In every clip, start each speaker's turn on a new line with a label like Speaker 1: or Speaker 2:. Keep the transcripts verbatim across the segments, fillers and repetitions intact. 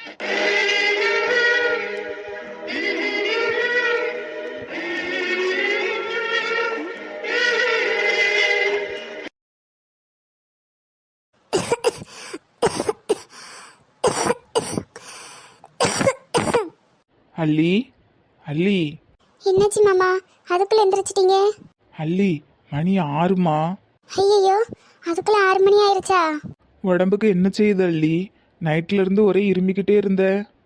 Speaker 1: அல்லி அல்லி
Speaker 2: என்னாச்சு மாமா, அதுக்குள்ள எந்திரிச்சிட்டீங்க?
Speaker 1: அல்லி, மணி ஆறுமா.
Speaker 2: ஐயோ, அதுக்குள்ள ஆறு மணி ஆயிருச்சா?
Speaker 1: உடம்புக்கு என்ன செய்யுது அல்லி? நைட்ல இருந்து ஒரே இருமிக்கிட்டே இருந்த.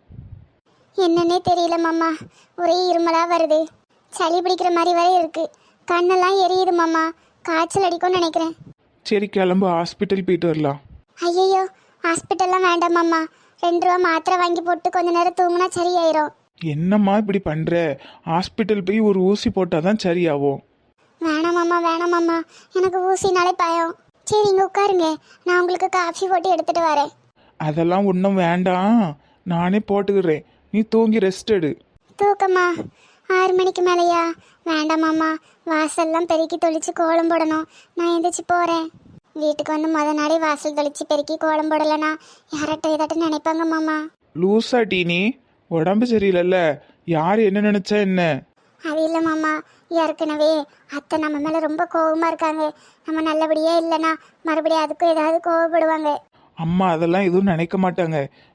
Speaker 2: என்னன்னே தெரியல மாமா, ஒரே இருமலா வருது. சளி பிடிக்கிற மாதிரி வரை இருக்கு. கண்ணெல்லாம் எரியுது மாமா. காய்ச்சல் அடிக்கும்னு நினைக்கிறேன்.
Speaker 1: சரி, கிளம்பு, ஹாஸ்பிட்டல் போயிட்டு வரலாம்.
Speaker 2: ஐயோ, ஹாஸ்பிட்டல்லாம் வேண்டாம் மாமா. ரெண்டு ரூபா மாத்திரை வாங்கி போட்டு கொஞ்ச நேரம் தூங்கினா சரியாயிரும்.
Speaker 1: என்னம்மா இப்படி பண்ற? ஹாஸ்பிட்டல் போய் ஒரு ஊசி போட்டாதான் சரியாகும்.
Speaker 2: வேணாம் மாமா, வேணாம் மாமா, எனக்கு ஊசினாலே பயம். சரி, இங்க உட்காருங்க, நான் உங்களுக்கு காஃபி போட்டு எடுத்துட்டு வரேன்.
Speaker 1: அதெல்லாம் ஒன்றும் வேண்டாம், நானே போட்டுக்கிறேன். நீ தூங்கி ரெஸ்ட் எடு.
Speaker 2: தூக்கமா? ஆறு மணிக்கு மேலையா? வேண்டாம் மாமா, வாசல்லாம் பெருக்கி தொளிச்சு கோலம் போடணும். நான் எந்திரிச்சு போறேன். வீட்டுக்கு வந்து முத நாளே வாசல் தொளிச்சு பெருக்கி கோலம் போடலைன்னா யார்கிட்ட ஏதாட்டும் நினைப்பாங்க மாமா.
Speaker 1: லூசா டீனி, உடம்பு சரியில்லைல்ல, யார் என்ன நினைச்சா என்ன?
Speaker 2: அது இல்லை மாமா, ஏற்கனவே அத்தை நம்ம மேலே ரொம்ப கோபமா இருக்காங்க. நம்ம நல்லபடியே இல்லைன்னா மறுபடியும் அதுக்கும் ஏதாவது கோவப்படுவாங்க.
Speaker 1: அம்மா அதெல்லாம் எதுவும் நினைக்க மாட்டாங்க.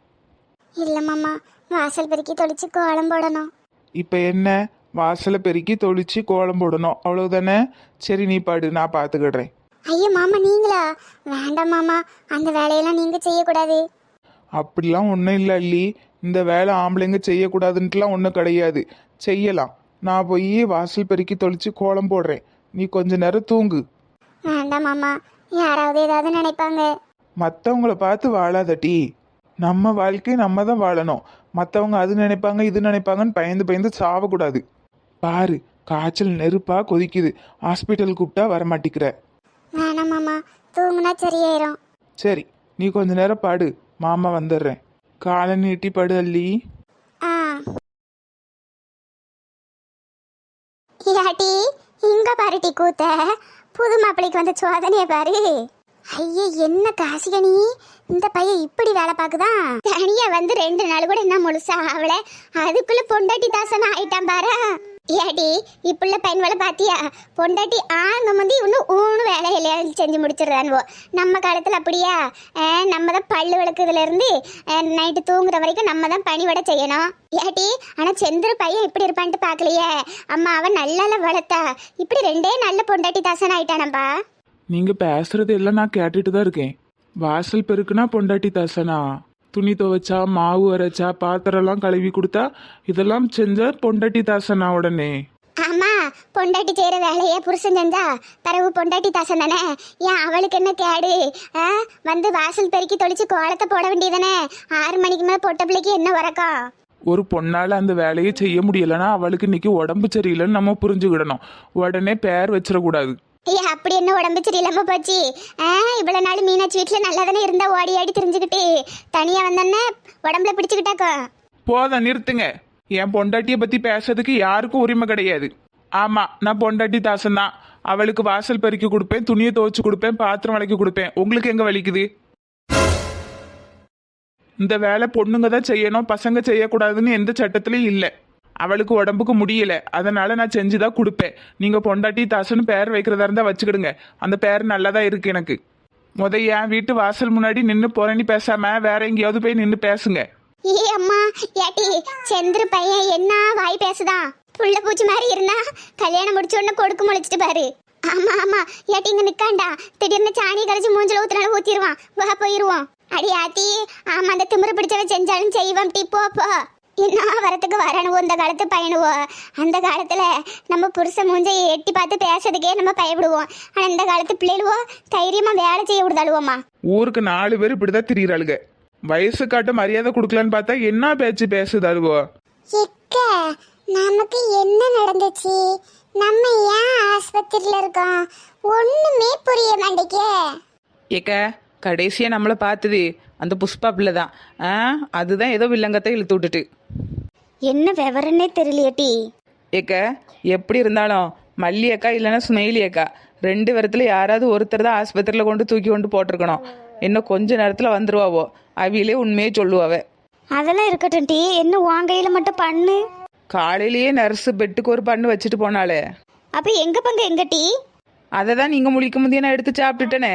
Speaker 2: இல்லை மாமா, வாசல் பெருக்கி தொளிச்சு கோலம் போடணும்.
Speaker 1: இப்போ என்ன, வாசலை பெருக்கி தொளிச்சு கோலம் போடணும், அவ்வளவுதானே? சரி, நீ பாடு, நான் பார்த்துக்கிடுறேன்.
Speaker 2: ஐயோ மாமா, நீங்களா? வேண்டாம் மாமா, அந்த வேலையெல்லாம் நீங்க செய்யக்கூடாது.
Speaker 1: அப்படிலாம் ஒன்றும் இல்லை அல்லி, இந்த வேலை ஆம்பளைங்க செய்யக்கூடாதுன்ட்டுலாம் ஒன்றும் கிடையாது, செய்யலாம். நான் போய் வாசல் பெருக்கி தொளிச்சு கோலம் போடுறேன், நீ கொஞ்ச நேரம் தூங்கு.
Speaker 2: வேண்டாம் மாமா, யாராவது ஏதாவது நினைப்பாங்க.
Speaker 1: மற்றவங்கள பார்த்து வாழாதட்டி, நம்ம வாழ்க்கையை நம்ம தான் வாழணும். மற்றவங்க அது நினைப்பாங்க இது நினைப்பாங்கன்னு பயந்து பயந்து சாவக்கூடாது. பாரு, காய்ச்சல் நெருப்பா கொதிக்குது, ஹாஸ்பிட்டல் கூப்பிட்டா வரமாட்டிக்கிற.
Speaker 2: வேணாம் மாமா, தூங்குனா சரியாயிரும்.
Speaker 1: சரி, நீ கொஞ்ச நேரம் பாடு, மாமா வந்துடுறேன். காலை நீட்டி படு அல்லி.
Speaker 2: ஆ யாட்டி, இங்க பாருட்டி கூத்த. புது மாப்பிள்ளைக்கு வந்த சோதனைய பாரு. ஐயே, என்ன காசிகனி, இந்த பையன் இப்படி வேலை பார்க்குதான். தனியா வந்து ரெண்டு நாள் கூட என்ன முழுசா அவள, அதுக்குள்ள பொண்டாட்டி தாசனா ஆயிட்டான் பாரு. ஏடி, இப்புள்ள பையன் வேலை பாத்தியா? பொண்டாட்டி ஆங்க முந்தி இன்னும் ஊனு வேலையில செஞ்சு முடிச்சிடுறான்வோ. நம்ம காலத்துல அப்படியா? நம்ம தான் பல்லு விளக்குதுல இருந்து நைட்டு தூங்குற வரைக்கும் நம்ம தான் பணிவிட செய்யணும். ஏடி, ஆனா செந்திர பையன் இப்படி இருப்பான்ட்டு பாக்கலையே. அம்மா அவன் நல்லா வளர்த்தா, இப்படி ரெண்டே நல்ல பொண்டாட்டி தாசன் ஆயிட்டானப்பா.
Speaker 1: நீங்க பேசுறது எல்லாம் நான் கேட்டுட்டு தான் இருக்கேன். வாசல் பெருக்குனா பொண்டாட்டி தாசனா? துணி துவைச்சா, மாவு அரைச்சா, பாத்திரம்லாம் கழுவி கொடுத்தா, இதெல்லாம் செஞ்சா பொண்டாட்டி தாசனா உடனே?
Speaker 2: ஆமா, பொண்டாட்டி செய்யற வேலையே புருஷன் செஞ்சா பிறகு பொண்டாட்டி தாசன் தானே. ஏன் அவளுக்கு என்ன கேடு? வந்து வாசல் பெருக்கி தொளிச்சு கோலத்தை போட வேண்டியதானே. ஆறு மணிக்கு மேல பொட்ட பிள்ளைக்கு என்ன வரக்கம்?
Speaker 1: ஒரு பொண்ணால அந்த வேலையை செய்ய முடியலன்னா அவளுக்கு இன்னைக்கு உடம்பு சரியில்லைன்னு நம்ம புரிஞ்சுக்கிடணும். உடனே பேர் வச்சிடக்கூடாது.
Speaker 2: ஐயா, அப்படி என்ன உடம்பு சரியில்லாம போச்சு? ஆ இவ்வளவு நாள் மீனாட்சி வீட்டுல நல்லா தானே இருந்தா, ஓடி ஆடி தெரிஞ்சுக்கிட்டு தனியா வந்தோன்னே உடம்புல பிடிச்சுக்கிட்டாக்கோ.
Speaker 1: போத நிறுத்துங்க, என் பொண்டாட்டியை பத்தி பேசுறதுக்கு யாருக்கும் உரிமை கிடையாது. ஆமா, நான் பொண்டாட்டி தாசன் தான். அவளுக்கு வாசல் பெருக்கி கொடுப்பேன், துணியை துவைச்சு கொடுப்பேன், பாத்திரம் விளக்கி கொடுப்பேன். உங்களுக்கு எங்க வலிக்குது? இந்த வேலை பொண்ணுங்க தான் செய்யணும், பசங்க செய்யக்கூடாதுன்னு எந்த சட்டத்திலையும் இல்லை. அவளுக்கு உடம்புக்கு முடியல, அதனால நான் செஞ்சுதான் கொடுப்பேன். நீங்க பொண்டாட்டி தாசன்னு பேர் வைக்கிறதா இருந்தா வச்சுக்கிடுங்க, அந்த பேர் நல்லதான் இருக்கு எனக்கு. முத என் வீட்டு வாசல் முன்னாடி நின்று போறேன்னு பேசாம வேற எங்கேயாவது போய் நின்று பேசுங்க.
Speaker 2: ஏ அம்மா, ஏட்டி, செந்திர பையன் என்ன வாய் பேசுதான்? புள்ள பூச்சி மாதிரி இருந்தா கல்யாணம் முடிச்ச உடனே கொடுக்கு முளைச்சிட்டு பாரு. ஆமா ஆமா, ஏட்டி இங்க நிக்காண்டா, திடீர்னு சாணியை கரைச்சி மூஞ்சில ஊத்துனாலும் ஊத்திடுவான். வா போயிருவோம். அடி ஆத்தி, ஆமா, அந்த திமிரு பிடிச்சவ செஞ்சாலும் செய்வான். டீ போ போ. என்ன வரத்துக்கு வரணுவோ இந்த காலத்து பயணுவோ. அந்த காலத்துல நம்ம புருஷ மூஞ்சை எட்டி பார்த்து பேசுறதுக்கே நம்ம பயப்படுவோம். ஆனா இந்த காலத்து பிள்ளைகளுவோ தைரியமா வேலை செய்ய விடுதாளுவோமா.
Speaker 1: ஊருக்கு நாலு பேர் இப்படிதான் திரியிறாளுங்க. வயசு காட்ட மரியாதை கொடுக்கலான்னு பார்த்தா என்ன பேச்சு பேசுதாளுவோ.
Speaker 2: நமக்கு என்ன நடந்துச்சு? நம்ம ஏன் ஆஸ்பத்திரியில இருக்கோம்? ஒண்ணுமே புரிய மாட்டேக்கே.
Speaker 3: ஏக்க, கடைசியா நம்மளை பார்த்தது அந்த புஷ்பா பிள்ளை தான். ஆ அதுதான் ஏதோ வில்லங்கத்தை இழுத்து விட்டுட்டு.
Speaker 2: என்ன விவரன்னே தெரியலையேட்டி.
Speaker 3: ஏக்க, எப்படி இருந்தாலும் மல்லி அக்கா இல்லைன்னா சுமைலி அக்கா ரெண்டு பேரத்துல யாராவது ஒருத்தர் தான் ஆஸ்பத்திரியில் கொண்டு தூக்கி கொண்டு போட்டிருக்கணும். இன்னும் கொஞ்ச நேரத்தில் வந்துருவாவோ, அவியிலே உண்மையே சொல்லுவாவ.
Speaker 2: அதெல்லாம் இருக்கட்டும் டி, என்ன உன் கையில மட்டும் பண்ணு.
Speaker 3: காலையிலேயே நர்ஸு பெட்டுக்கு ஒரு பண்ணு வச்சுட்டு போனாலே.
Speaker 2: அப்ப எங்க பங்கு எங்க டி?
Speaker 3: அதை தான் நீங்கள் முழிக்கும் போதே நான் எடுத்து சாப்பிட்டுட்டேனே.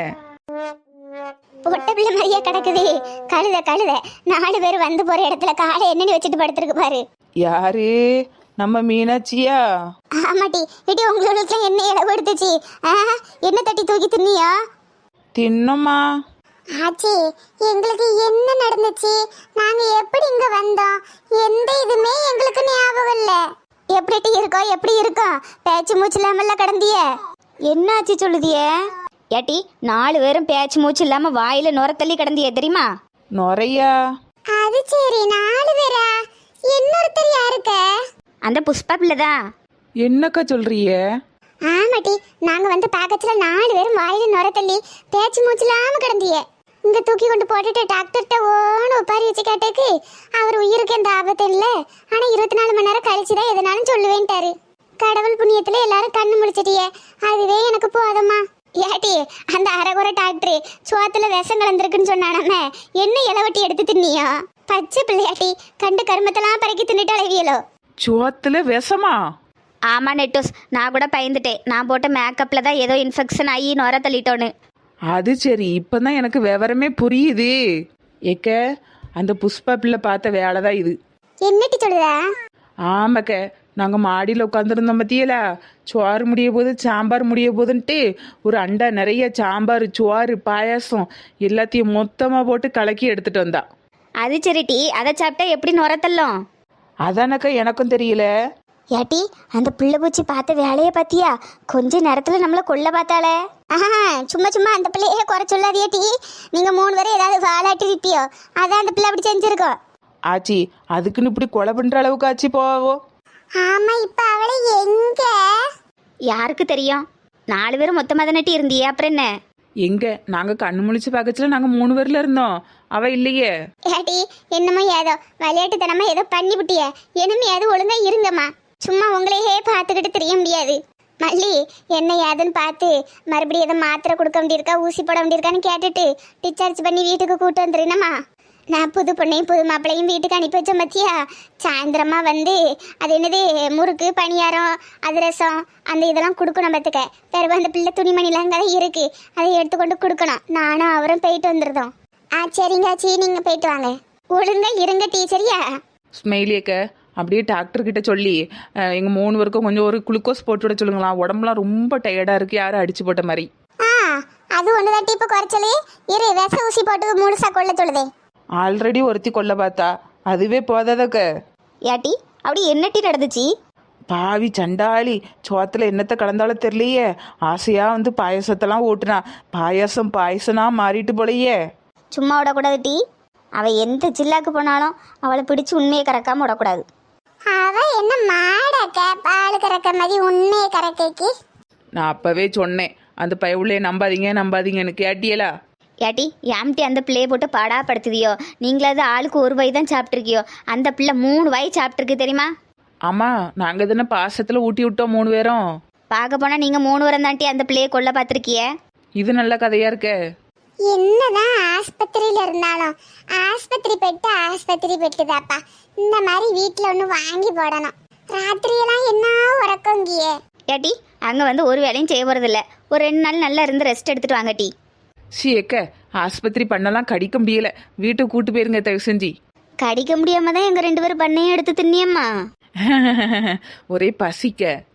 Speaker 2: பொட்ட பிள்ளை மாதிரியா கிடக்குது. கழுத கழுத நாலு பேர் வந்து போற இடத்துல காலை என்னன்னு வச்சுட்டு படுத்துருக்கு பாரு.
Speaker 3: யாரு? நம்ம மீனாட்சியா?
Speaker 2: ஆமாட்டி. இடி உங்களுக்கு என்ன இடம் எடுத்துச்சு? என்ன தட்டி தூக்கி தின்னியா?
Speaker 3: தின்னம்மா.
Speaker 2: ஆச்சி, எங்களுக்கு என்ன நடந்துச்சு? நாங்க எப்படி இங்க வந்தோம்? எந்த இதுமே எங்களுக்கு ஞாபகம் இல்ல. எப்படி இருக்கோம் எப்படி இருக்கோம்? பேச்சு மூச்சு இல்லாமல்ல கடந்திய. என்ன ஆச்சு சொல்லுதியே? ஏட்டி, நாலு பேரும் பேச்சு மூச்சு இல்லாம வாயில நுர தள்ளி கடந்திய தெரியுமா?
Speaker 3: நுரையா?
Speaker 2: அது சரி, நாலு பேரா? இன்னொருத்தர் யாருக்க? அந்த புஷ்பா பிள்ளைதான்.
Speaker 3: என்னக்கா சொல்றிய?
Speaker 2: ஆமாட்டி, நாங்க வந்து பாக்கத்துல நாலு பேரும் வாயில நுர தள்ளி பேச்சு மூச்சு இல்லாம கிடந்திய. இங்க தூக்கி கொண்டு போட்டுட்டு டாக்டர்கிட்ட ஓன்னு உப்பாரி வச்சு கேட்டக்கு அவர் உயிருக்கு எந்த ஆபத்து இல்ல, ஆனா இருபத்தி நாலு மணி நேரம் கழிச்சுதான் எதனாலும் சொல்லுவேன்ட்டாரு. கடவுள் புண்ணியத்துல எல்லாரும் கண்ணு முடிச்சிட்டியே, அதுவே எனக்கு போதம்மா. ஏட்டி, அந்த அரைகுறை டாக்டர் சுவாத்துல விஷம் கலந்துருக்குன்னு சொன்னானே, என்ன இளவட்டி எடுத்து தின்னியா? பச்சை பிள்ளையாட்டி, கண்டு கருமத்தெல்லாம் பறக்கி தின்னுட்டு அழவியலோ.
Speaker 3: சுவத்துல விஷமா?
Speaker 2: ஆமா நெட்டோஸ், நான் கூட பயந்துட்டேன். நான் போட்ட மேக்கப்ல தான் ஏதோ இன்ஃபெக்ஷன் ஆகி நுர தள்ளிட்டோன்னு.
Speaker 3: அது சரி, இப்பதான் எனக்கு விவரமே புரியுது. ஏக்க, அந்த புஷ்பா பிள்ளை பார்த்த வேலை தான் இது.
Speaker 2: என்னட்டி சொல்லுதா?
Speaker 3: ஆமாக்க, நாங்கள் மாடியில் உட்காந்துருந்தோம் பத்தியல, சோறு முடிய போது சாம்பார் முடிய போதுன்ட்டு ஒரு அண்டா நிறைய சாம்பார் சோறு பாயாசம் எல்லாத்தையும் மொத்தமாக போட்டு கலக்கி எடுத்துட்டு வந்தா.
Speaker 2: அது சரிட்டி, அதை சாப்பிட்டா எப்படி நுரத்தல்லும்?
Speaker 3: அதானக்கா எனக்கும் தெரியல.
Speaker 2: ஏட்டி, அந்த பிள்ளை பூச்சி பார்த்த வேலையை பார்த்தியா? கொஞ்ச நேரத்தில் நம்மளை கொல்ல பார்த்தாளே. ஆஹா, சும்மா சும்மா அந்த பிள்ளையே குறை சொல்லாதியேட்டி. நீங்கள் மூணு பேரும் ஏதாவது வாலாட்டி இருப்பியோ, அதான் அந்த பிள்ளை அப்படி செஞ்சிருக்கோம்.
Speaker 3: ஆச்சி, அதுக்குன்னு இப்படி கொலை பண்ணுற அளவுக்கு ஆச்சு போவோ?
Speaker 2: ஆமா, இப்ப அவளை எங்க? யாருக்கு தெரியும்? நாலு பேரும் மொத்தமா தானே இருந்தியே, அப்புறம் என்ன?
Speaker 3: எங்க நாங்க கண்ணு முழிச்சு பார்க்கச்சுல நாங்க மூணு பேர்ல இருந்தோம், அவ இல்லையே.
Speaker 2: ஏட்டி, என்னமோ ஏதோ விளையாட்டுத்தனமா ஏதோ பண்ணி விட்டிய. இனிமையாவது ஒழுங்கா இருங்கம்மா. சும்மா உங்களையே பார்த்துக்கிட்டு தெரிய முடியாது. மல்லி, என்ன ஏதுன்னு பார்த்து மறுபடியும் எதை மாத்திரை கொடுக்க வேண்டியிருக்கா, ஊசி போட வேண்டியிருக்கான்னு கேட்டுட்டு டிஸ்சார்ஜ் பண்ணி வீட்டுக்கு கூட்டு வந்துருந்தம்மா. நான் புது பொண்ணையும் புது மாப்பிள்ளையும் வீட்டுக்கு அனுப்பி வச்சேன் பத்தியா. சாயந்தரமா வந்து அது என்னது முறுக்கு பணியாரம் அதிரசம் அந்த இதெல்லாம் கொடுக்கணும் பார்த்துக்க. பிறகு அந்த பிள்ளை துணிமணிலாம் அங்கே தான் இருக்கு, அதை எடுத்துக்கொண்டு கொடுக்கணும். நானும் அவரும் போயிட்டு வந்துருந்தோம். ஆ சரிங்க ஆச்சி, நீங்கள் போயிட்டு வாங்க. ஒழுங்கா இருங்க டீச்சரியா.
Speaker 3: ஸ்மெயிலியக்க அப்படியே டாக்டர் கிட்ட சொல்லி அஹ், எங்க மூணு பேருக்கும் கொஞ்சம் ஒரு குளுக்கோஸ் போட்டு விட சொல்லுங்களா, உடம்புலாம் ரொம்ப டயர்டா இருக்கு, யாரும் அடிச்சு போட்ட மாதிரி.
Speaker 2: ஆ, அது ஒன்று தான் இப்போ குறைச்சலே. இரு, விச ஊசி போட்டு முழுசா கொள்ள சொல்லுதே.
Speaker 3: ஆல்ரெடி ஒருத்தி கொல்ல பார்த்தா, அதுவே போதாதக்க.
Speaker 2: ஏட்டி, அப்படி என்னட்டி நடந்துச்சு?
Speaker 3: பாவி சண்டாளி, சோத்துல என்னத்தை கலந்தாலும் தெரியலையே, ஆசையா வந்து பாயசத்தெல்லாம் ஓட்டுனா, பாயாசம் பாயசனா மாறிட்டு போலையே.
Speaker 2: சும்மா விடக்கூடாது டி. அவ எந்த ஜில்லாக்கு போனாலும் அவளை பிடிச்சு உண்மையை கறக்காம விடக்கூடாது. அவ என்ன மாடக்க பால் கறக்க மாதிரி உண்மையை கறக்கைக்கு?
Speaker 3: நான் அப்பவே சொன்னேன், அந்த பயவுள்ளைய நம்பாதீங்க நம்பாதீங்கன்னு, கேட்டியலா?
Speaker 2: ஏட்டி, ஏம்டி அந்த பிள்ளையை போட்டு பாடா படுத்துதியோ? நீங்களாவது ஆளுக்கு ஒரு வாய் தான் சாப்பிட்ருக்கியோ, அந்த பிள்ளை மூணு வாய் சாப்பிட்ருக்கு தெரியுமா?
Speaker 3: ஆமா, நாங்க தானே பாசத்துல ஊட்டி விட்டோம் மூணு பேரும்.
Speaker 2: பார்க்க போனா நீங்க மூணு வாரம் தாண்டி அந்த பிள்ளையை கொல்ல பார்த்துருக்கிய.
Speaker 3: இது நல்ல கதையா இருக்க.
Speaker 2: என்னதான் ஆஸ்பத்திரியில இருந்தாலும் ஆஸ்பத்திரி பெட்டு ஆஸ்பத்திரி பெட்டுதாப்பா. இந்த மாதிரி வீட்டில் ஒன்று வாங்கி போடணும். ராத்திரியெல்லாம் என்ன உறக்கங்கியே. ஏட்டி, அங்கே வந்து ஒரு வேலையும் செய்ய போகிறதில்ல. ஒரு ரெண்டு நாள் நல்லா இருந்து ரெஸ்ட் எடுத்துட்டு வாங்க டி.
Speaker 3: சீக்க, ஆஸ்பத்திரி பண்ணலாம் கடிக்க முடியல, வீட்டுக்கு கூட்டு போயிருங்க தயவு செஞ்சு.
Speaker 2: கடிக்க முடியாம தான் எங்க ரெண்டு பேரும் பண்ணையும் எடுத்து தின்னியம்மா.
Speaker 3: ஒரே பசிக்க.